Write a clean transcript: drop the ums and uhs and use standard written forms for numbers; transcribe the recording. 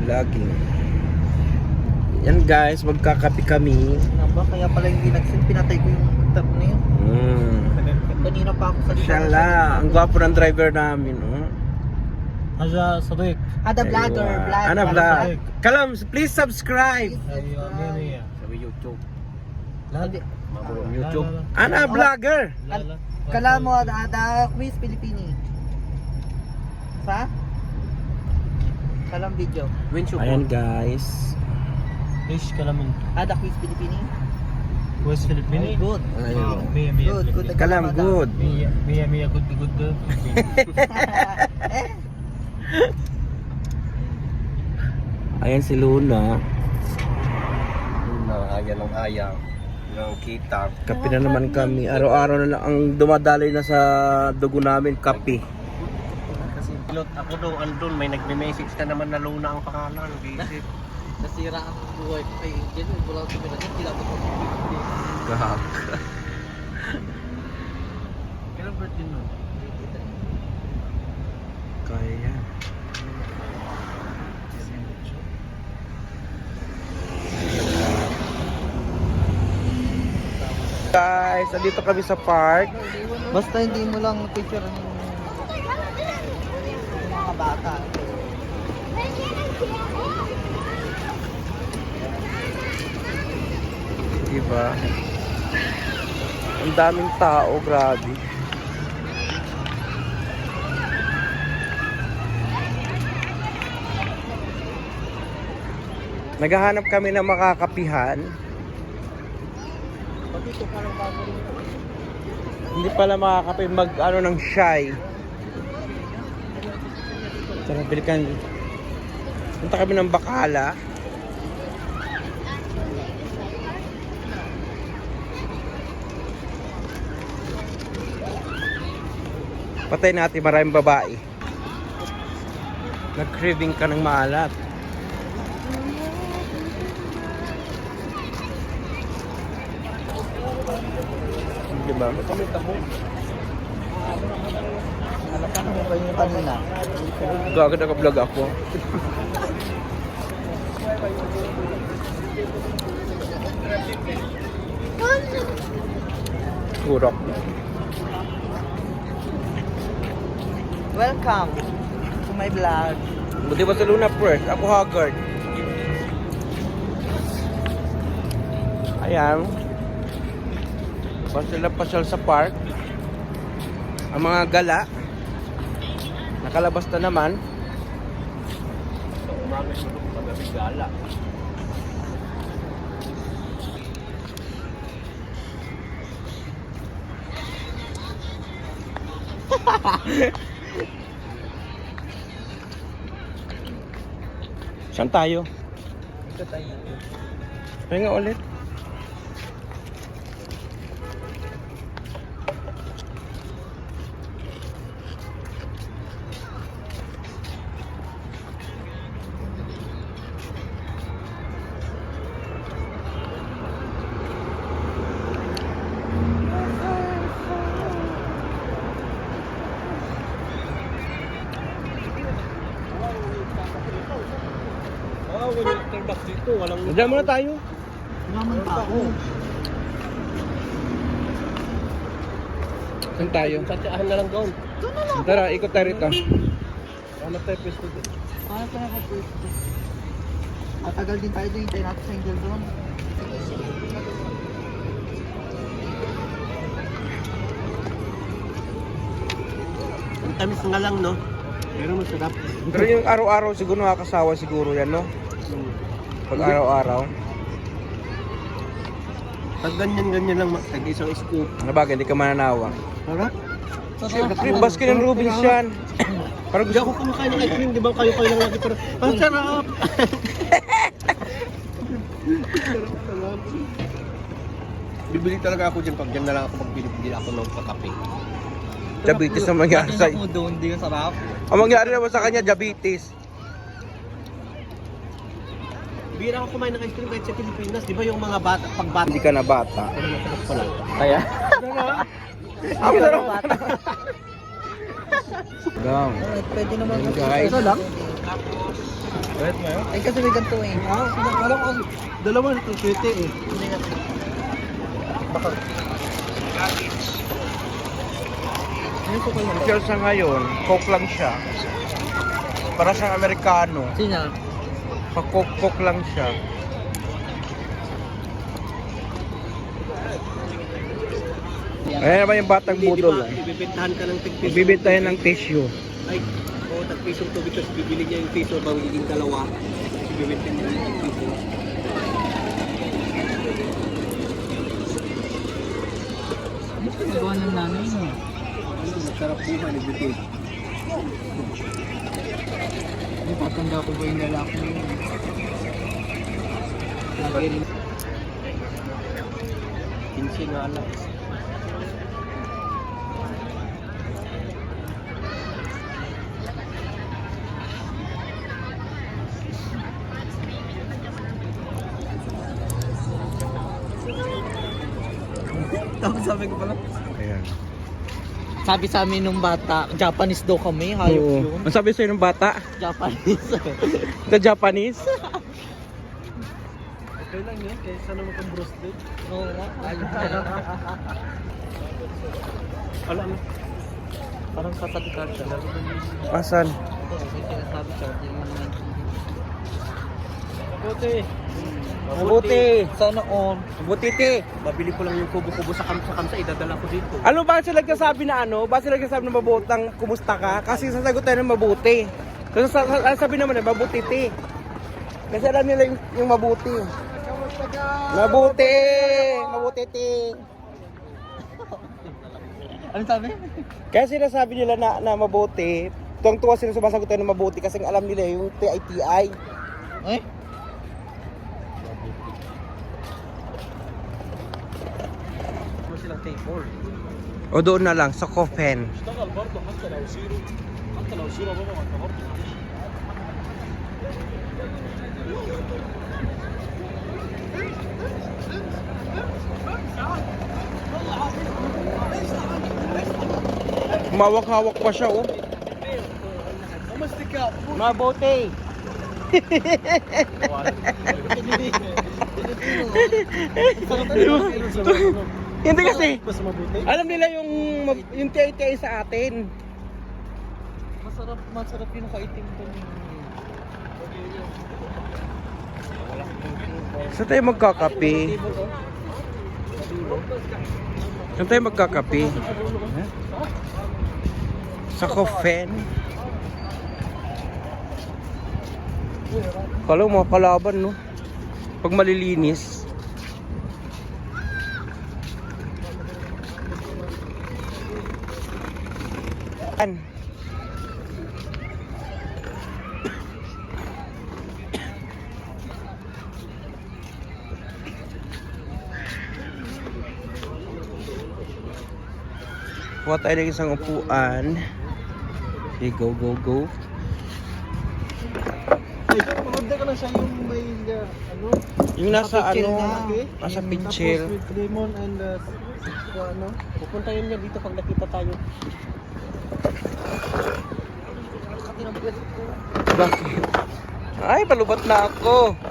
vlogging. Yan guys, magkakapi kami. Naba, kaya pala hindi nagsin, pinatay ko yung tap na yun. Kanina pa ako sa Mashallah, ang gwapo ng driver namin. Oh. هذا صديق. Ada vlogger, vlog. Ana vlog. Kalam, please subscribe. ايوه 100 Sa YouTube. لا Hindi. YouTube. Ana vlogger. لا لا Kala mo, ada quiz Pilipini. Sa? Kalam video. Ayan guys. ايش كلام انت؟ Ada quiz Pilipini? كويس فلبيني؟ Good. Ayun. 100 100 Good, good. Kalam, good. 100 100 good good. Ayan si Luna. Ayan ang ayaw ng kita. Kape na naman kami. Araw-araw na lang ang dumadaloy na sa dugo namin, kape. Kasi pilot ako doon, andun, may nagme-message na naman na Luna ang pangalan. Visit. Nasira ang buhay ko kay Angel. Wala ko pinagin. Hindi lang ako Gahak. Kailan birthday nun? Kaya yan. Guys, andito kami sa park. Basta hindi mo lang picture ng mga bata. Diba? Ang daming tao, grabe. Naghahanap kami ng makakapihan. Hindi pala makakape mag ano ng shy. Tara, bilikan. Punta kami ng Bacala. Patay natin maraming babae. Nag-craving ka ng maalat. Diba? Halapan mo ba yung kanina? Gagad naka-vlog ako. Kurok. Welcome to my vlog. Buti ba sa Luna first? Ako haggard. Ayan. Pasyal sa park. Ang mga gala. Nakalabas na naman. Umaga siguro magabi gala. Saan tayo? Pahinga ulit. When you turn back dito, walang... Diyan muna tayo. Naman tao. Saan tayo? Tsatsahan na lang doon. Tara, ikot tayo rito. Hanap tayo pwesto doon. Paano pa nakapwesto? Matagal din tayo doon. Hintayin natin sa Angel doon. Ang tamis nga lang, no? Pero masarap. Pero yung araw-araw siguro nakakasawa siguro yan, no? Pag araw-araw. Pag ganyan-ganyan lang, tag-isang scoop. Ano ba, hindi ka mananawa. Harap? Siyempre, Baskin and Robbins yan. Parang Hindi gusto ako kumakain ng ice cream, di ba kayo lang lagi pero ang sarap! Sarap. Bibili talaga ako dyan pag dyan na lang ako magbili ako ng kakape. diabetes ang mangyari sa Ako doon, hindi yung sarap. Ang mangyari naman sa kanya, diabetes. Bira ako kumain ng ice cream kahit sa Pilipinas, di ba yung mga bata, pag bata. Hindi ka na bata. Pero masarap pala. Kaya? Ang sarap. Gang. Alright, pwede naman. Ayun, guys. Ito lang? Wait mo yun? Ay, kasi may ganito eh. Alam ko, dalawa nito, swerte eh. Hindi nga. Baka. Until sa ngayon, coke lang siya. Para siyang Amerikano. Sino? Pa-coke lang siya. Ayan naman yung batang budol. Ibibentahan ka ng tig-piso. Bibitahin ng tissue. Ay, oo, tag-pisong tubig. Tapos bibili niya yung piso. Magiging dalawa. Ibibenta niya ng tig-piso. Ano sa nagawa ng nanay mo? Masarap buhay, nagbibig. Ay, patanda ko ba yung lalaki mo yun? Lagi rin. 15 nga lang. Tapos sabi ko pala. Ayan. Sabi sa amin nung bata, Japanese daw kami, hayop Oo. yun. Ang sabi sa'yo ng bata? Japanese. The Japanese? Okay lang yun, kaysa naman kang roasted. Oo nga, hayop. Alam mo, Parang katalikar siya. Asan? Ito, may sinasabi siya. Hindi mo naman. Mabuti. Mabuti. Sana all. Butiti. Babili ko lang yung kubo-kubo sa kamsa, idadala ko dito. Ano ba sila nagsasabi na ano? Ba sila nagsasabi na mabutang kumusta ka? Kasi sasagot tayo ng mabuti. Kasi sabi naman na mabutiti. Kasi alam nila yung mabuti. Mabuti! Mabutiti! Ano sabi? Kaya sinasabi nila na mabuti. Tuwang-tuwa sila sumasagot tayo ng mabuti kasi alam nila yung TITI. Eh? Ano silang table? O doon na lang, sa coffin. اشتغل برضه حتى لو زيرو، حتى لو زيرو بابا ما انت برضه Mawak-hawak pa siya, oh. Mabuti. Hindi kasi, mas mabuti. alam nila yung TITI sa atin. Masarap yung kaitim doon. Saan tayo magkakape? Saan tayo magkakape? Sa coffin? Kala mo mga kalaban, no? Pag malilinis. An? Kuha tayo ng isang upuan. Okay, go, go, go. Ay, maganda ka na siya yung may, ano, Yung nasa pitcher ano, na. nasa tapos pitcher. with lemon and, ano, Pupuntahin niya dito pag nakita tayo. Bakit? Ay, palubat na ako.